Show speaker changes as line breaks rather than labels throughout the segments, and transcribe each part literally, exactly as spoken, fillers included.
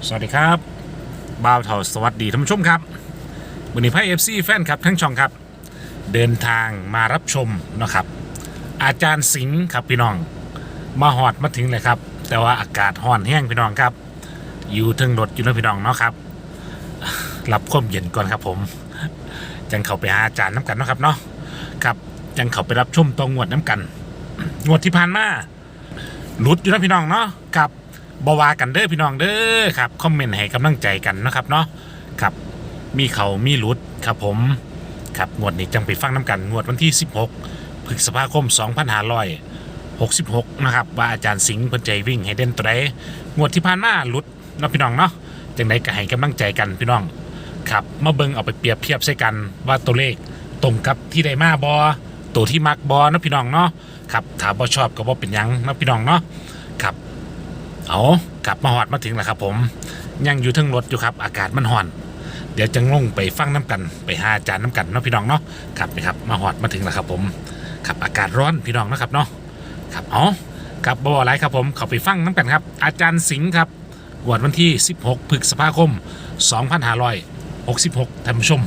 สวัสดีครับบ่าวเถาสวัสดีท่านผู้ชมครับวันนี้ไพ่เอฟซีแฟนครับทั้งช่องครับเดินทางมารับชมนะครับอาจารย์สิงห์ครับพี่น้องมาหอดมาถึงเลยครับแต่ว่าอากาศร้อนแห้งพี่น้องครับอยู่ทึงรถอยู่นะพี่น้องเนาะครับรับความเย็นก่อนครับผมจังเข้าไปหาอาจารย์น้ำกันเนาะครับเนาะครับจังเข้าไปรับชมตองงวดน้ำกันงวดที่ผ่านมาหลุดอยู่นะพี่น้องเนาะครับบวากันเด้อพี่น้องเด้อครับคอมเมนต์ให้กำลังใจกันนะครับเนาะครับมีเขามีหลุดครับผมครับงวดนี้จังไปฟังน้ำกันงวดวันที่สิบหกพฤษภาคมสองพันห้าร้อยหกสิบหกนะครับว่าอาจารย์สิงห์เพิ่นใจวิ่งให้เด่นตัวใดงวดที่ผ่านมาหลุดเนาะพี่น้องเนาะจังไดก็ให้กำลังใจกันพี่น้องครับมาเบิ่งเอาไปเปรียบเทียบใส่กันว่าตัวเลขตรงกับที่ได้มาบอตัวที่มักบอนะพี่น้องเนาะครับถ้าบ่ชอบก็บ่เป็นหยังนะพี่น้องเนาะครับเอากลับมาหอดมาถึงแล้วครับผมยังอยู่ทั้งรถอยู่ครับอากาศมันห่อนเดี๋ยวจะลงไปฟังน้ำกันไปหาอาจารย์น้ำกันเนาะพี่น้องเนาะครับนะครับมาหอดมาถึงแล้วครับผมครับอากาศร้อนพี่น้องนะครับเนาะครับเอาครับบ่อะไรครับผมเขาไปฟังน้ำกันครับอาจารย์สิงห์ครับวันที่สิบหกพฤษภาคมสองพันห้าร้อยหกสิบหกท่านผู้ชม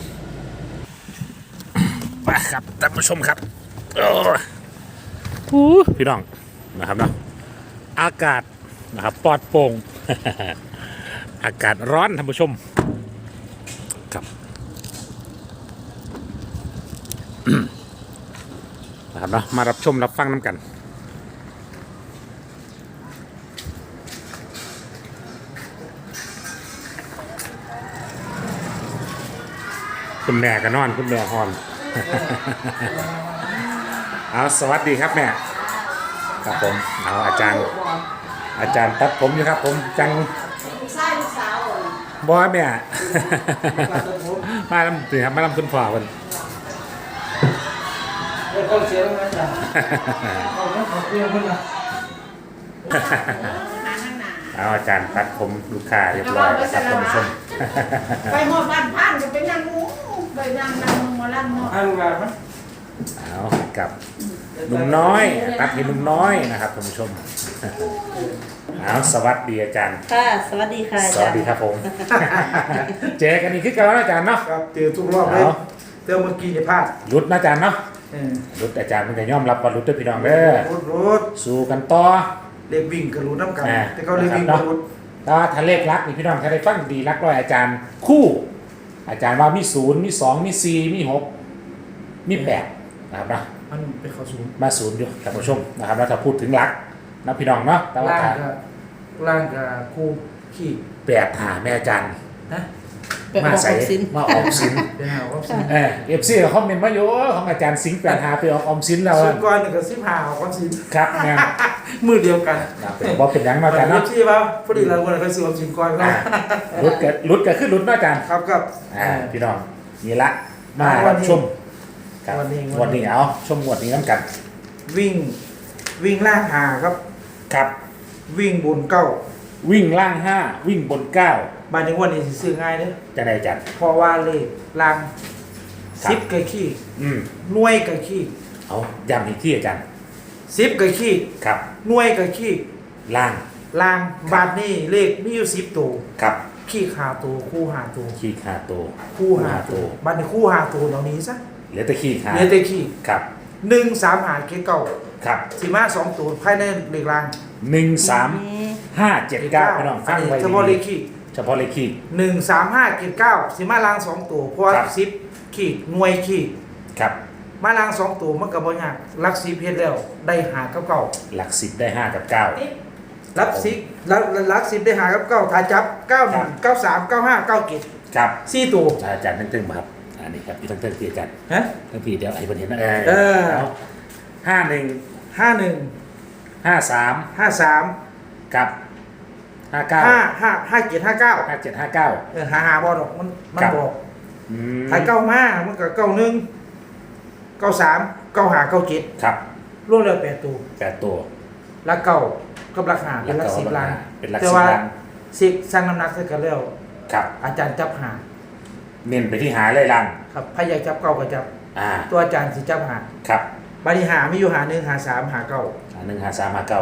ไปครับท่านผู้ชมครับโอ้พี่น้องนะครับเนาะอากาศนะครับปลอดโปร่ง อากาศร้อนท่านผู้ชมครับ นะครับเนาะมารับชมรับฟังน้ำกันคุณแม่ก็นอนคุณแม่ฮอน เอาสวัสดีครับแม่ครับผมเอาอาจารย์อาจารย์ตัดผมอยู่ครับผมจังบอยแม่ มาลำตีครับมาลำคุณพ่อคนเอาอาจารย์ตัดผมลูกค้าเรียบร้อยแล้วครับท่านผู้ชม
ไปหมดบ้านพันจะเป็นยังงูไปนั่งนั่งมาลั่นหมด
เอากับหนุ่มน้อยตัดให้หนุ่มน้อยนะครับท่านผู้ชมเอาสวัสดีอาจารย์
ค่ะสวัสดีค่ะ
สวัสดีครับผมเจอกันอีกขึ้นกันแล้วอาจารย์เนาะ
ครับเจอทุกรอบเลยเจอเมื่อกี้จะพลาด
รุดนะอาจารย์เนาะรุดอาจารย์มันจะย่อมรับว่ารุดด้วยพี่น้องเด้อ
รุดรุด
สู้กันต่อ
เล็กวิ่งกับรุดน้ำกันแต่เขาเล็กวิ่งกับรุด
ถ้าทะเลขรักนี่พี่น้องถ้าได้ฟังดีรักร้อยอาจารย์คู่อาจารย์ว่ามีศูนย์มีสองมีสี่มีหกมีแปดนะครับนะ
มันเป็นข้อศูนย์
มาศูนย์อยู่ท่านผู้ชมนะครับแล้วถ้าพูดถึงรักนะพี่น้องเนาะแต่ว่า
ล่างกับล่างกับคู่ขี้
แปดหาแม่อาจารย์
นะ
มาใส่มาออมสิน
เดี๋ยวหาออมสิน
เออเอฟซีเขาคอมเมนต์มาเยอะของอาจารย์สิงห์แปดหาไปออกออมสินแล้ว
สุดก้อนหนึ่งกับสิบหาออกออมสิน
ครับเนี่ย
มือเดียวกัน
บอกเป็นยังมาอาจารย์เนาะ
ที่ว่าพอดีเราคนละเคยซื้อออมสินก้อนก็
รุดเกิดรุดเกิดขึ้นรุดอาจารย์
ครับครับ
อ่าพี่น้องนี่ละมาชมวันนี้วันนี้เอาชมวันนี้น้ำกัน
วิ่งวิ่งล่างหาครับ
ครับ
วิ่งบนเก้า
วิ่งล่างห้าวิ่งบนเก้า
บานในวันนี้ซื้อง่ายเด้อ
จะได้จัด
เพราะว่าเลขล่างสิบกับขี้หน่วยกับขี้
เอาย้ำอีกที่อาจารย์
สิบกับขี้
ครับ
หน่วยกับขี้
ล่าง
ล่างบาทนี่เลขมีอยู่สิบตัว
ครับ
ขี้หาตัวคู่หาตัว
ขี้หาตัว
คู่หาตัวบาทในคู่หาตัวตรงนี้ซะ
เหลือแต่ขี้หา
เหลือแต่ขี้
ครับ
หนึ่งสามหาเก้เก้า
ครับ
สิมาสองตัวภายในเลขล่าง
หนึ่งสามห้าเจ็ดเก้าพี่น้องฟังไว้
เฉพาะเลขขี้
เฉพาะเลขขี้
หนึ่งสามห้าเจ็ดเก้าสิมาล่างสองตัวเพราะสิบขี้หน่วยขี้
ครับ
มาล่างสองตัวมันกับบอยากลักสิบเพชรแล้วได้หากับเก้า
หลักสิบได้ห้ากับเก้า
ลักสิบลักลักสิบได้หากับเก้าถ้าจับเก้าหนึ่งเก้าสามเก้าห้าเก้าเจ็ด
ครับ
สี่ตัว
อาจารย์ตั้งๆมาครับอันนี้ครับพี่ตั้งๆพี่อาจารย์
ฮะ
ตั้งพี่เดี๋ยวไอ้คนเห็นนะ
เออ
ห้าหนึ่ง
ห้าหนึ่ง
ห้าสาม
ห้าสาม
กับห้าเก้า
ห้าห้าห้าเจ็ดห้าเก้า
ห้าเจ็ดห้าเก้า
เออหาหาบอดอกมันมันบอกถ้าเก้ามามันก็เก้าหนึ่งเก้าสามเก้าหาเก้าเจ็ด
ครับ
รวมแล้วแปดตัว
แปดตัว
แล้วเก้ากับราคาเป็นลักสิบล้าน
เป็นลักสิบล้าน
สิบสร้างน้ำหนักเสร็จกันแล้ว
ครับ
อาจารย์จับหา
เน้นไปที่หาเลยลัง
ครับพยายจับเก้าก็จับตัวอาจารย์สิจับหา
ครับ
บริหารไม่อยู่หาหนึ่งหาสามหาเก้า
หาหนึ่งหาสามหาเก้า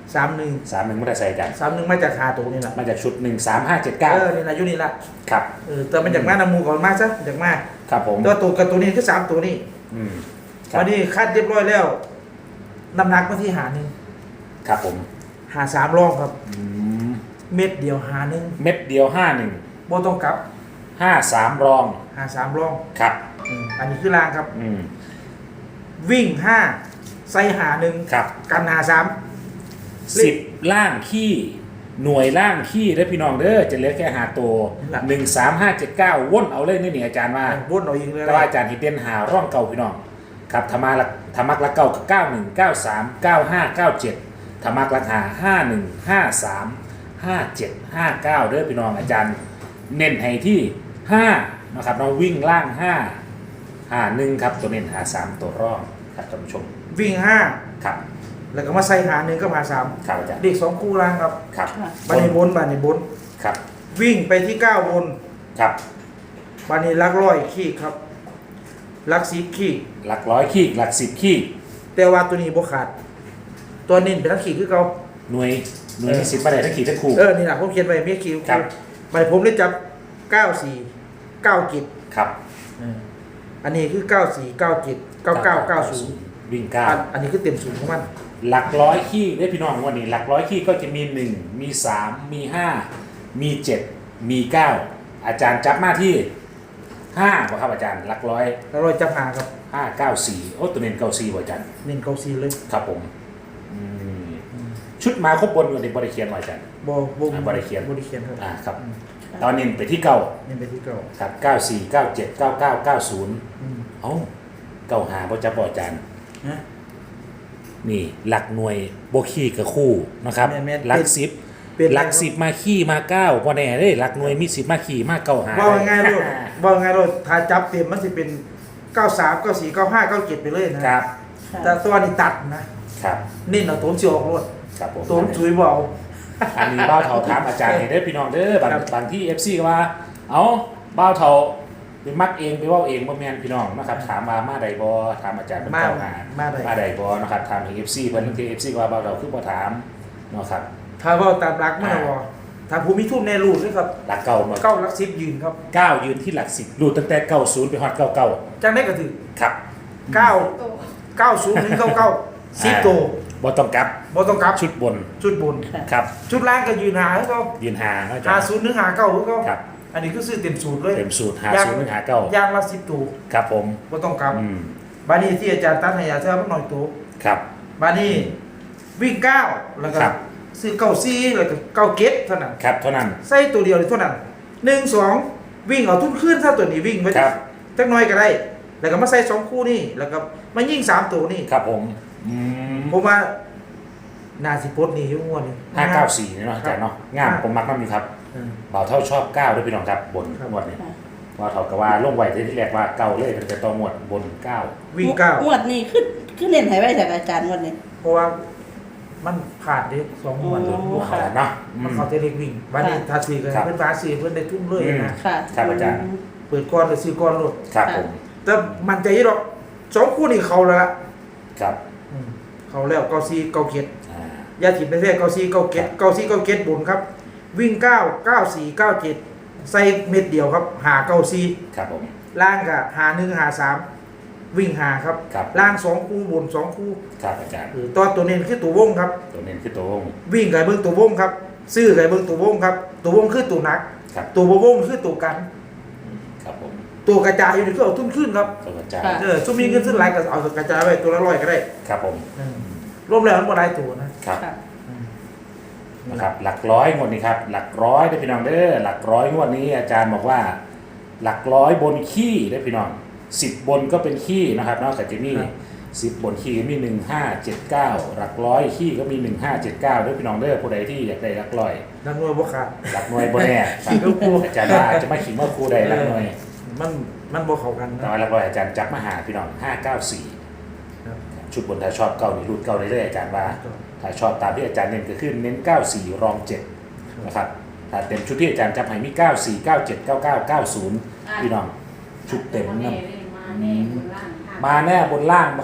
สามหนึ่ง
สามหนึ่งไม่ได้ใส่อาจารย์
สามหนึ่งมาจากหาตัวนี่แหละ
มาจากชุดหนึ่งสามห้าเจ็ดเก้า
เออนี่แหละอยู่นี่ละ
ครับ
เออแต่มันจากมานำมูก่อนมาซะจากมา
ครับผม
ตัวตัวกับตัวนี้คือสามตัวนี้
อืมครับ
วันนี้คัดเรียบร้อยแล้วน้ำหนักมาที่หาหนึ่ง
ครับผม
หาสามรองครับ
อืม
เม็ดเดียวหาหนึ่ง
เม็ดเดียวห้าหนึ่ง
บ่ต้องกลับ
ห้าสามรอง
หาสามรอง
ครับ
อืมอันนี้คือรางครับ
อืม
วิ่งห้าใส่หาหนึ่ง
ครับ
กันหาสาม
สิบล่างขี้หน่วยล่างขี้ได้อพี่น้องเด้อจะเหลือแค่หาตัวหนึ่งสามห้าเจ็ดเก้าว่นเอาเลยนี่นี่อาจารย์ว่า
วนเอาเองเลย
แต่ว่าอาจารย์ฮิตเด่นหาร่องเก่าพี่น้องครับธรรมาลักธรรมักลักเก่ากับเก้าหนึ่งเก้าสามเก้าห้าเก้าเจ็ดธรรมักลักหาห้าหนึ่งห้าสามห้าเจ็ดห้าเก้าเด้อพี่น้องอาจารย์เน้นให้ที่ห้านะครับเราวิ่งล่างห้าห้าหนึ่งครับตัวเน้นหาสามตัวร่องครับท่านผู้ชม
วิ่งห้า
ครับ
แล้วก็มาใส่หาหนึ่งก็หาสาม
ครับอาจารย์
เด็กสองคู่รางครับ
ครับ
บานในบนบานในบน
ครับ
วิ่งไปที่เก้าบน
ครับ
บานนี้ลักร้อยขี้ครับลักสิบขี้
หลักร้อยขี้หลักสิบขี้
แต่ว่าตัวนี้บ่ขาด ตัวนี้เป็นลักขี้คือเก่า
หน่วยหน่วยมีสิบประเด็นทั้งขี่ทั้งคู่
เออนี่แหละผมเขียนไว้เมียคิว
ครับ
ไปผมได้จับเก้าสี่เก้ากิจ
ครับ
อันนี้คือเก้าสี่เก้ากิจเก้าเก้าเก้าศูนย์
วิ่งเก้า
อันนี้คือเต็มศูนย์ของมัน
หลักร้อยขี้ได้พี่น้องวันนี้หลักร้อยขี้ก็จะมีหนึ่งมีสามมีห้ามีเจ็ดมีเก้าอาจารย์จับมาที่ห้าป่ะครับอาจารย์หลักร้อย
แล้วเราจับหาครับ
ห้าเก้าสี่โอ้ตัวเน้นเก้าสี่ป่ะอาจารย์
เน้นเก้าสี่เลย
ครับผมอืมชุดมาครบบนวันนี้บริเคียนมาอาจารย์
บ่บ่
อ่าบ่ได้เขียน
บ่ได้เขียนครับ
อ่าครับตอนนี้ไปที่เก้า
เน้นไปที่เก้า
ครับเก้าสี่เก้าเจ็ดเก้าเก้าเก้าศูนย์
อืม
เอ้าเก้าหาพ่จับป่ะอาจารย์
นะ
นี่หลักหน่วยโบขี้กับคู่นะครับ
แม่นๆ
หลักสิบ
เป็น
หลักสิบมาขี้มาเก้าพอแน่เลยหลักหน่วยมีสิบมาขี้มาเก้าหา
ว่าง่ายๆลูกว่าง่ายๆลูกถ้าจับเต็มมันจะเป็นเก้าสามเก้าสี่เก้าห้าเก้าเจ็ดไปเลยนะครับ แต่ตัวนี้ตัดนะครับ เน้นเอาตัวสิออกรถ
ครับผม
ตัวจุยบ่เอา
อันนี้บ้าวเถาถามอาจารย์เห็นได้อพี่น้องเด้อบาง
ครับ
บางที่เอฟซีก็ว่า เอาบ้าวเถาไปมักเองไปเว่าเองบ่แม่นพี่น้องนะครับถามมามาใดบ่ถามอาจารย์เป็น
มา
เก้าหา
มาได้
มาใดบ่นะครับถามถึงเอฟซีเพิ่นบางทีเอฟซีก็ว่าบ้าวเถาคือบ่ถามเนาะครับ
ถ้าเว่าตามรักมันนะบ่ถ้าผู้มีทุนในรูดเลยครับ
หลักเก้ามา
เก้ารักสิบยืนครับ
เก้ายืนที่หลักสิบรูดตั้งแต่เก้าศูนย์ไปฮอดเก้าเก้า
จังได้ก็ถือ
ครับ
เก้าเก้าศูนย์ถึงเก้าเก้าสิบตัว
บ่ต้องกลับ
บ่ต้องกลับ
ชุดบน
ชุดบน
ครับ
ชุดล่างก็ยืนหาให้เขา
ยืนหาเนาะอาจา
หาร
ย์
ศูนย์ถึงหาเก้าให้เขา
ครับ
อันนี้คือซื้อเต็มสูตรเลย
เต็มสูตรหาศูนย์หนึ่งหาเก้า
ย่างละสิบตัว
ครับผม
บ่ต้องกลับ
อืม
บานี้ที่อาจารย์ตัดให้อาจารย์มันหน่อยตัว
ครับ
บานี้วิ่งเก้าแล้วก็
ครับ
ซื้อเก้าสี่แล้วก็เก้าเก็ดเท่านั้น
ครับเท่านั้น
ใส่ตัวเดียวเลยเท่านั้นหนึ่งสองวิ่งเอาทุนขึ้นถ้าตัวนี้วิ่งไว้
ครับ
จักหน้อยก็ได้ แล้วก็มาใส่สองคู่นี่แล้วก็มายิงสามตัวนี่
ครับผมอืม
ผมว่านาสิปลดนี่อยุ่งวดนี่
ห้าเก้าสี่เนาะอาจารย์เนาะงามผมมักมากมีครับ
เออ
เบาเท่าชอบเก้าด้วยพี่น้องครับบน
ครับ
หมวดเนี่ยว่าเท่ากับว่าลงไหวที่แรกว่าเก้าเลยเป็นแต่ตัวหมวดบนเก้า
วิ่งเก้าง
วดนี้ขึ้นขึ้นเล่นให้ไว้จากอาจารย์งวดนี้
เพราะว่ามันขาดเด็กสองงวด
โอ้
บวกกันเนาะอื
มัน
ม
เขาจะเล็กวิ่งวันนี้ทาสีกัน
ครับ
เพื่อนฟ้าสีเพื่อนได้ทุ่มเลย
อืม
นะ
ค่ะ
ครับอาจารย์
เปิดก้อนเลยซื้อก้อนรถ
ครับผม
แต่มันใจยี่หรอกสองคู่นี่เขาแล้วละ
ครับ
อืมเขาแล้วเก้าซีเก้าเก็ด
อ่า
ยาถิ่นในแท้เก้าซีเก้าเก็ด
ครับ
เก้าซีเก้าเก็ดบนครับ วิ่งเก้าเก้าสี่เก้าเจ็ดใส่เม็ดเดียวครับหาเก้าซี
ครับผม
ล่างกับหาหนึ่งหาสามวิ่งหาครับ
ครับ
ล่างสองคู่บนสองคู่
ครับอาจารย์
เออตัวตัวเน้นคือตัววงครับ
ตัวเน้นคือตัววง
วิ่งกับเบิ้งตัววงครับ ซื้อกับเบิ้งตัววงครับ ตัววงคือตัวหนัก
ครับ
ตัวบ่วงคือตัวกัน
ครับผม
ตัวกระจายอยู่นี่คือเอาทุนขึ้นครับ
ตัวอาจารย์
ค่ะ
เออช่วงมีเงินซื้อหลายก็เอากระจายไว้ตัวละร้อยก็ได้
ครับผม
อืมรวมแล้วมันบ่หลายตัวนะครับ
ค่ะ
อืม
นะครับหลักร้อยงวดนี้ครับหลักร้อยได้อพี่น้องเด้อหลักร้อยงวดนี้อาจารย์บอกว่า หลักร้อยบนขี้ได้อพี่น้องสิบบนก็เป็นขี้นะครับนอกจากจะมีสิบบนขี้มีหนึ่งห้าเจ็ดเก้าหลักร้อยขี้ก็มีหนึ่งห้าเจ็ดเก้าด้วยพี่น้องเด้อผู้ใดที่อยากได้หลักร้อย
นักมวยบ่ขาด
หลักหน่วยบนแน่
ขี้ก็กลัว
อาจารย์ว่าอาจจะไม่ขิงว่าครูใดหลักหน่วย
มันมันบ่เข้ากัน
แต่
นะ
ว่าหลักร้อยอาจารย์จับมาหาพี่น้องห้าเก้าสี่
ครับ
ชุดบนถ้าชอบเก้านี่รูดเก้าได้เลยอาจารย์ว่าถ้าชอบตามที่อาจารย์เน้นก็คือเน้นเก้าสี่รองเจ็ดนะครับถ้าเต็มชุดที่อาจารย์จับให้มีเก้าสี่เก้าเจ็ดเก้าเก้าเก้าศูนย์พี่น้องชุดเต็มนั่น
มาแน่บนล่างค่ะ
มาแน่บนล่างนะครับ
เอ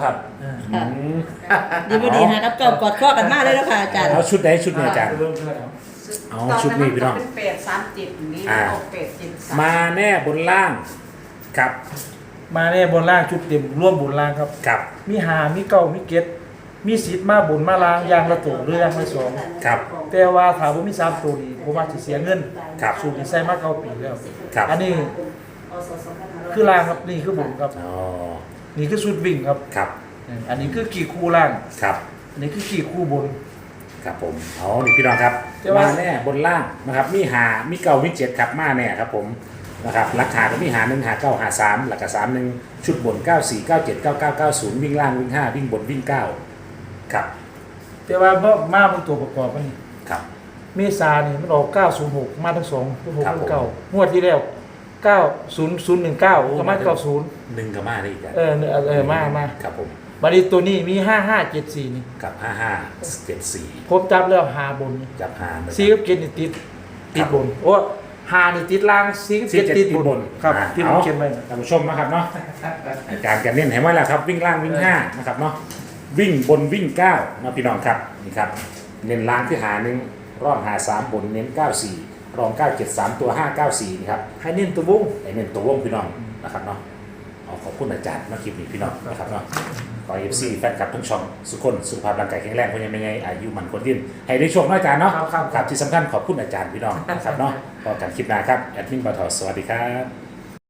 อ่า
ค่ะ
อืม
ดีบ่ดีฮะกับเก่ากอดข้อกันมาเลยแล้วค่ะอาจารย์
เอาชุดไหนชุดนี้อาจารย์
เริ่มเพื่อนเอา
เอาชุดนี้พี่น้อง
เป็นแปดสามเจ็ดนี้
อ่า
ออกแปดเจ็ดสาม
มาแน่บนล่างครับ
มาเนี่ยบนล่างชุดเต็มร่วมบนล่างครับ
ครับ
มีหามีเก้ามีเก็ดมีสิทธิ์มาบนมาล่างอยางละตัวหรืออยางละสอง
ครับ
แต่ว่าถามว่ามีสามตัวนี้ผมว่าสิเสียเงิน
ครับ
สูตรนี้ใส่มาเก้าปีแล้ว
ครับ
อันนี้คือล่างครับนี่คือบนครับ
อ๋อ
นี่คือชุดวิ่งครับ
ครับ
อันนี้คือกี่คู่ล่าง
ครับ
อันนี้คือกี่คู่บน
ครับผมเอานี่พี่น้องครับ
แต่ว่า
มาแน่บนล่างนะครับมีหามีเก่ามีเจ็ดครับมาแน่ครับผมนะครับราคาก็มีหาหนึ่งหาเก้าหาสามหลักสามหนึ่งชุดบนเก้าสี่เก้าเจ็ดเก้าเก้าเก้าศูนย์วิ่งล่างวิ่งห้าวิ่งบนวิ่งเก้าครับ
แต่ว่าบ่มาเป็นตัวประกอบมันนี่
ครับ
เมษานี่มันออกเก้าศูนย์หกมาทั้งสองหก
ครับผม
เก้างวดที่แล้วเก้าศูนย์ศูนย์หนึ่งเก้าก็มาเก้าศูนย์
หนึ่งกับมาได้อีกครับ
เออเออเออมามา
ครับผม
บัดนี้ตัวนี้มีห้าห้าเจ็ดสี่นี่
กับห้าห้าเจ็ดสี่
ผมจับแล้วหาบนนี่
จับหาเลย
ซีกับเกตนี่ติดติดบนโอ้หานี่ติดล่างซีกับ
สี่
เกต
เจ็ด
ติ
ติ
ด
ด
บบ น
น
ครับ
อ่า
ที่ผม
เอา
เขียนไว้
ท่านผู้ชมนะครับเนาะอาจารย์กันเน้นให้มาแล้วครับวิ่งล่างวิ่งห้านะครับเนาะวิ่งบนวิ่งเก้านะพี่น้องครับนี่ครับเน้นล่างที่หาหนึ่งรอบหาสามบนเน้นเก้าสี่รองเก้าเจ็ดสามตัวห้าเก้าสี่นี่ครับ
ให้เน้นตัววง
ไอ้เน้นตัววงพี่น้องนะครับเนาะเอาขอบคุณอาจารย์มาคลิปนี้พี่น้องนะครับเนาะขอเอฟซีแฟนคลับทั้งช่องสุขคนสุขภาพร่างกายแข็งแรงเพราะยังไม่ไงอายุมันคนยืนให้ได้โชคน้อยอาจารย์เนาะ
ครับครับ
ครับที่สำคัญขอบคุณอาจารย์พี่น้องนะครับเนาะพอกันคลิปหน้าครับแอดมินบอทอสวัสดีครับ